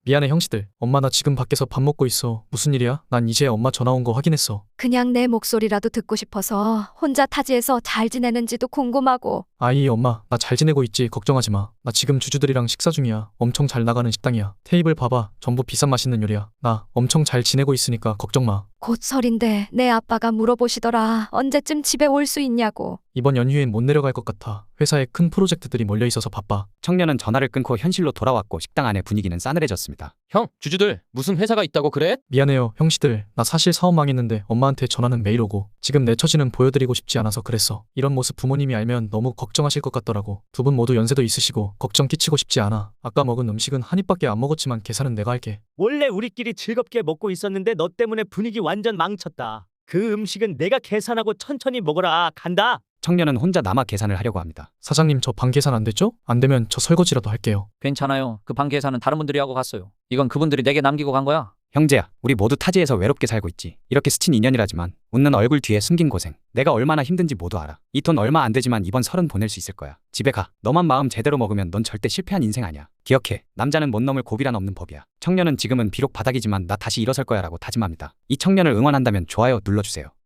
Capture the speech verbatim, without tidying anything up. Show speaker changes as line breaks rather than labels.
미안해 형씨들. 엄마 나 지금 밖에서 밥 먹고 있어. 무슨 일이야? 난 이제 엄마 전화 온 거 확인했어.
그냥 내 목소리라도 듣고 싶어서 혼자 타지에서 잘 지내는지도 궁금하고.
아이 엄마 나 잘 지내고 있지 걱정하지 마. 나 지금 주주들이랑 식사 중이야. 엄청 잘 나가는 식당이야. 테이블 봐봐. 전부 비싼 맛있는 요리야. 나 엄청 잘 지내고 있으니까 걱정 마.
곧 설인데 내 아빠가 물어보시더라. 언제쯤 집에 올 수 있냐고.
이번 연휴엔 못 내려갈 것 같아. 회사에 큰 프로젝트들이 몰려 있어서 바빠.
청년은 전화를 끊고 현실로 돌아왔고 식당 안의 분위기는 싸늘해졌습니다.
형, 주주들 무슨 회사가 있다고 그래?
미안해요 형씨들. 나 사실 사업 망했는데 엄마한테 전화는 매일 오고 지금 내 처지는 보여드리고 싶지 않아서 그랬어. 이런 모습 부모님이 알면 너무 걱정하실 것 같더라고. 두 분 모두 연세도 있으시고 걱정 끼치고 싶지 않아. 아까 먹은 음식은 한 입밖에 안 먹었지만 계산은 내가 할게.
원래 우리끼리 즐겁게 먹고 있었는데 너 때문에 분위기 완전 망쳤다. 그 음식은 내가 계산하고 천천히 먹어라. 간다.
청년은 혼자 남아 계산을 하려고 합니다.
사장님 저 방 계산 안 됐죠? 안 되면 저 설거지라도 할게요.
괜찮아요. 그 방 계산은 다른 분들이 하고 갔어요. 이건 그분들이 내게 남기고 간 거야.
형제야, 우리 모두 타지에서 외롭게 살고 있지. 이렇게 스친 인연이라지만 웃는 얼굴 뒤에 숨긴 고생, 내가 얼마나 힘든지 모두 알아. 이 돈 얼마 안 되지만 이번 설은 보낼 수 있을 거야. 집에 가. 너만 마음 제대로 먹으면 넌 절대 실패한 인생 아니야. 기억해. 남자는 못 넘을 고비란 없는 법이야. 청년은 지금은 비록 바닥이지만 나 다시 일어설 거야 라고 다짐합니다. 이 청년을 응원한다면 좋아요 눌러주세요.